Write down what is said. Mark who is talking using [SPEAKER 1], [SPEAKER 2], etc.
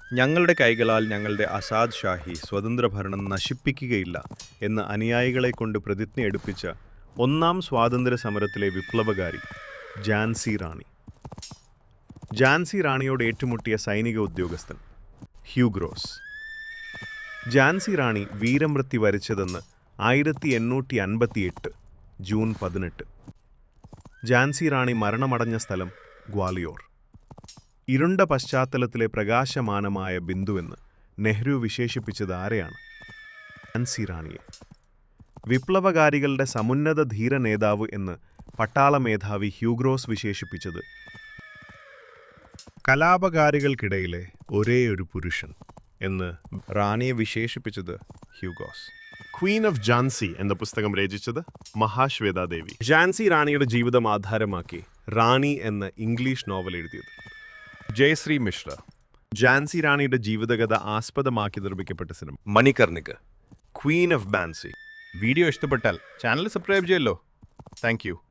[SPEAKER 1] ഞങ്ങളുടെ കൈകളാൽ ഞങ്ങളുടെ ആസാദ് ഷാഹി സ്വതന്ത്ര ഭരണം നശിപ്പിക്കുകയില്ല എന്ന് അനുയായികളെക്കൊണ്ട് പ്രതിജ്ഞ എടുപ്പിച്ച ഒന്നാം സ്വാതന്ത്ര്യ സമരത്തിലെ വിപ്ലവകാരി ഝാൻസി റാണി. ഝാൻസി റാണിയോട് ഏറ്റുമുട്ടിയ സൈനിക ഉദ്യോഗസ്ഥൻ ഹ്യൂഗ്രോസ്. ഝാൻസി റാണി വീരമൃത്യു വരിച്ചതെന്ന് 1858 ജൂൺ 18. ഝാൻസി റാണി മരണമടഞ്ഞ സ്ഥലം ഗ്വാളിയോർ. ഇരുണ്ട പശ്ചാത്തലത്തിലെ പ്രകാശമാനമായ ബിന്ദുവെന്ന് നെഹ്റു വിശേഷിപ്പിച്ചത് ആരെയാണ്? ഝാൻസി റാണിയെ. വിപ്ലവകാരികളുടെ സമുന്നത ധീര നേതാവ് എന്ന് പട്ടാള മേധാവി ഹ്യൂഗ്രോസ് വിശേഷിപ്പിച്ചത് കലാപകാരികൾക്കിടയിലെ ഒരേയൊരു പുരുഷൻ എന്ന് റാണിയെ വിശേഷിപ്പിച്ചത് ഹ്യൂഗോസ്.
[SPEAKER 2] ക്വീൻ ഓഫ് ഝാൻസി എന്ന പുസ്തകം രചിച്ചത് മഹാശ്വേതാദേവി.
[SPEAKER 1] ഝാൻസി റാണിയുടെ ജീവിതം ആധാരമാക്കി റാണി എന്ന ഇംഗ്ലീഷ് നോവൽ എഴുതിയത് ജയശ്രീ മിശ്ര. ഝാൻസി റാണിയുടെ ജീവിതകഥ ആസ്പദമാക്കി നിർമ്മിക്കപ്പെട്ട സിനിമ Manikarnika, queen of Jhansi. Video ഇഷ്ടപ്പെട്ടാൽ ചാനൽ സബ്സ്ക്രൈബ് ചെയ്യല്ലോ. Thank U.